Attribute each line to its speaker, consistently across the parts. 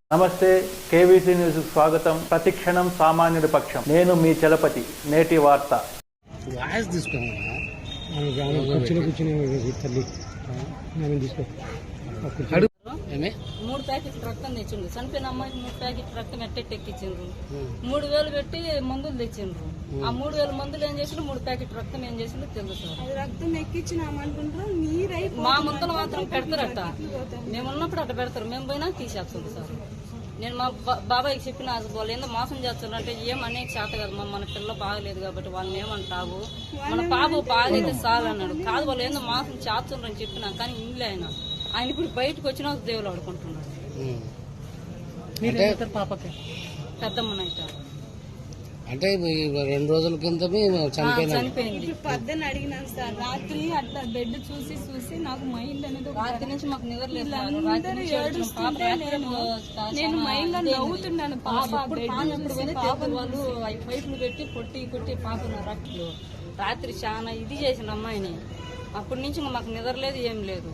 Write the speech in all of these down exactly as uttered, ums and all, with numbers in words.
Speaker 1: నమస్తే, KVC news స్వాగతం. ప్రతిక్షణం సామాన్యుడి పక్షం. నేను మీ చలపతి. నేటి వార్త.
Speaker 2: మూడు ప్యాకెట్ రక్తం తెచ్చిండ్రు. చనిపోయిన అమ్మాయికి మూడు ప్యాకెట్ రక్తం ఎట్టెట్ ఎక్కించిండ్రు. మూడు వేలు పెట్టి మందులు తెచ్చిండ్రు. ఆ మూడు వేల మందులు ఏం చేసిండ్రు, మూడు ప్యాకెట్ రక్తం ఏం చేసిండ్రు తెలుసు సార్.
Speaker 3: రక్తం ఎక్కించినామంటుంటారు, నీరై
Speaker 2: మా ముంతలు మాత్రం పెడతారట. మేము ఉన్నప్పుడు అట్ట పెడతారు, మేము పోయినా తీసేస్తుంది సార్. నేను మా బాబాయ్కి చెప్పిన వాళ్ళు ఏందో మోసం చేస్తున్నారు అంటే ఏం అనేక చేత కదా, మా మన పిల్ల బాగలేదు కాబట్టి వాళ్ళని ఏమంటావు, మన పాప బాగైతే చాలు అన్నాడు. కాదు వాళ్ళు ఏందో మోసం చేస్తున్నారు అని చెప్పినా కానీ ఇంట్లో ఆయన ఆయన ఇప్పుడు బయటకు వచ్చినా దేవులు ఆడుకుంటున్నాడు.
Speaker 4: పాపకి
Speaker 2: పెద్దమ్మనైతే
Speaker 4: అంటే రెండు రోజుల కింద
Speaker 2: చనిపోయింది.
Speaker 3: పద్దెని అడిగినాను సార్, రాత్రి అట్లా బెడ్ చూసి చూసి నాకు మైండ్ అనేది
Speaker 2: రాత్రి నుంచి మాకు నిద్ర లేదు.
Speaker 3: నేను మైండ్ లో నవ్వుతున్నాను. పాప
Speaker 2: వాళ్ళు పైపులు పెట్టి కొట్టి కొట్టి పాప రక్తులు రాత్రి చాలా ఇది చేసిన అమ్మాయిని. అప్పటి నుంచి మాకు నిద్ర లేదు, ఏం లేదు.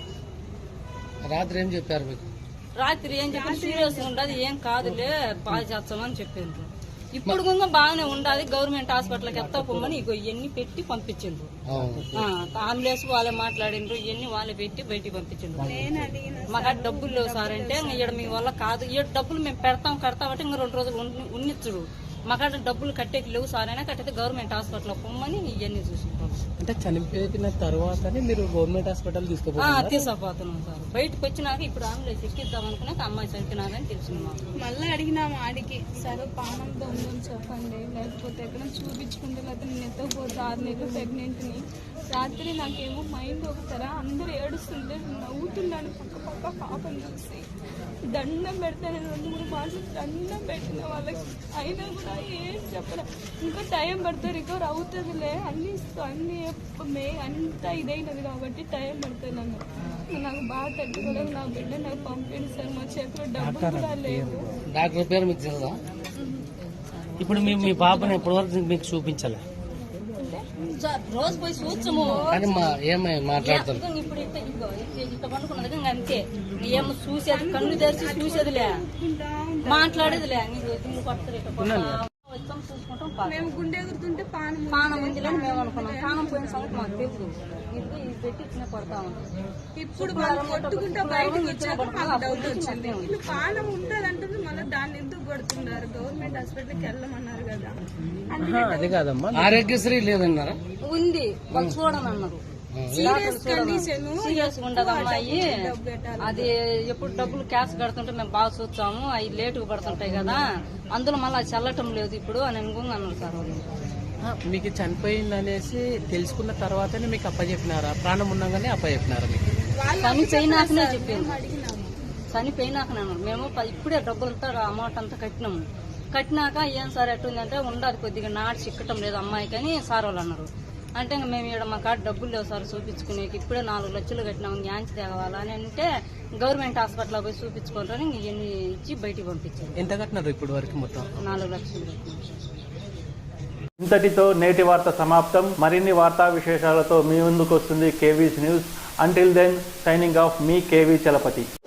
Speaker 4: రాత్రి ఏం చెప్పారు మీకు?
Speaker 2: రాత్రి ఏం చెప్పారు, సీరియస్ ఉండదు, ఏం కాదులే బాగా చేస్తామని చెప్పిండ్రు. ఇప్పుడు కూడా బాగానే ఉండాలి, గవర్నమెంట్ హాస్పిటల్కి ఎత్తా పొమ్మని ఇగో ఇవన్నీ పెట్టి పంపించిండ్రు. అంబులెన్స్ వాళ్ళే మాట్లాడిండ్రు, ఇవన్నీ వాళ్ళే పెట్టి బయటికి పంపించిండ్రు. మాకు డబ్బులు లేవు సార్ అంటే ఇక్కడ మీ వల్ల కాదు, ఈ డబ్బులు మేము పెడతాం కడతామంటే ఇంకా రెండు రోజులు ఉన్నిచ్చుడు. మాకాడ డబ్బులు కట్టేకి లేవు సార్ అయినా కట్టితే గవర్నమెంట్ హాస్పిటల్ పొమ్మని ఇవన్నీ చూసుకుంటాం.
Speaker 4: అంటే చనిపోయిన తర్వాత మీరు గవర్నమెంట్ హాస్పిటల్ తీసుకుపోతారు?
Speaker 2: తీసుకుపోతున్నాం సార్. బయటకు వచ్చినాక ఇప్పుడు అంబులెన్స్ ఎక్కిద్దాం అనుకున్నాక అమ్మాయి చనిపోయినాదని తెలిసింది మాకు.
Speaker 3: మళ్ళీ అడిగినాము ఆడికి, సరే పానంతో ఉందని చెప్పండి, లేకపోతే ఎక్కడ చూపించుకుంటే లేకపోతే నేను ఎత్తకపోతే ఆరు నెలలు ప్రెగ్నెంట్ ని. రాత్రి నాకేమో మైండ్ ఒకసారి అందరూ ఏడుస్తుంటే నవ్వుతున్నాను పక్క పక్క పాపని చూసి. దండం పెడతాను, రెండు మూడు మాసాలు దండం పెట్టిన వాళ్ళకి, అయినా కూడా ఏం చెప్పరా. ఇంకా టైం పడుతుంది, రికవర్ అవుతుందిలే అన్ని అన్ని మే అంతా ఇదైనది కాబట్టి టైం పడుతుంది. నన్ను నాకు బాగా తట్టుకోలేదు. నా బిడ్డ నాకు పంపింది సార్, మా చేతిలో డబ్బులు కూడా లేదు.
Speaker 4: డాక్టర్ పేరు మీకు తెలుసా? ఇప్పుడు మీ మీ పాపని ఎప్పటి వరకు మీకు చూపించాలి?
Speaker 2: రోజు పోయి చూచము
Speaker 4: ఏమై మాట్లాడతారు
Speaker 2: ఇప్పుడు ఇట్లా పండుకున్నది ఇంకా అంతే. ఏమో చూసేది కన్ను తెరిచి చూసేదిలే, మాట్లాడేదిలే. నీకు పడతారు చూసుకుంటాం.
Speaker 3: మేము గుండె ఎగురుతుంటే పానం
Speaker 2: పానం ఉందిలే మేము అనుకున్నాం. పానం పోయిన సంగతి మాకు తెలుసు. ఇది ఇది పెట్టి ఇచ్చిన పడతా ఉంటాం.
Speaker 3: ఇప్పుడు కొట్టుకుంటా బయటకు వచ్చాక మాకు డౌట్ వచ్చింది, వీళ్ళు పానం ఉంటదంటుంది, మళ్ళీ దాన్ని ఎందుకు కొడుతున్నారు? గవర్నమెంట్ హాస్పిటల్కి వెళ్ళమన్నారు కదా.
Speaker 4: అది కాదమ్మా, ఆరోగ్యశ్రీ లేదన్నారా?
Speaker 2: ఉంది, వాళ్ళు చూడని అన్నారు. సీరియస్ ఉండదు అమ్మాయి, అది ఎప్పుడు డబ్బులు క్యాష్ కడుతుంటే మేము బాగా చూస్తాము, అవి లేటుగా పడుతుంటాయి కదా, అందులో మళ్ళీ అది చల్లటం లేదు ఇప్పుడు అని అనుకుంది అన్నారు సార్ వాళ్ళు.
Speaker 5: మీకు చనిపోయింది అనేసి తెలుసుకున్న తర్వాతనే మీకు అప్పచెప్పినారా? ప్రాణం ఉండగానే అప్పచెప్పినారా మీకు?
Speaker 2: చనిపోయినాకనే చెప్పింది, చనిపోయినాకనే అన్నారు. మేము ఇప్పుడే డబ్బులంతా అమౌంట్ అంతా కట్టినాము. కట్టినాక ఏం సార్ ఎట్టుందంటే ఉండదు, కొద్దిగా నాటి చిక్కటం లేదు అమ్మాయికి అని సార్ వాళ్ళు అన్నారు. అంటే మేము ఇక్కడ మా కాడ డబ్బులు లేవు సార్ చూపించుకునేకి, ఇప్పుడే నాలుగు లక్షలు కట్టినాము, న్యాన్స్ తేవాలా అని అంటే గవర్నమెంట్ హాస్పిటల్ పోయి చూపించుకుంటారని ఇవన్నీ ఇచ్చి బయటికి పంపించారు.
Speaker 5: ఎంత కట్టినారు ఇప్పుడు వరకు? మొత్తం
Speaker 2: నాలుగు లక్షలు.
Speaker 1: ఇంతటితో నేటి వార్త సమాప్తం. మరిన్ని వార్తా విశేషాలతో మీ ముందుకు వస్తుంది KVC news. Until then, signing off మీ కేవీ చలపతి.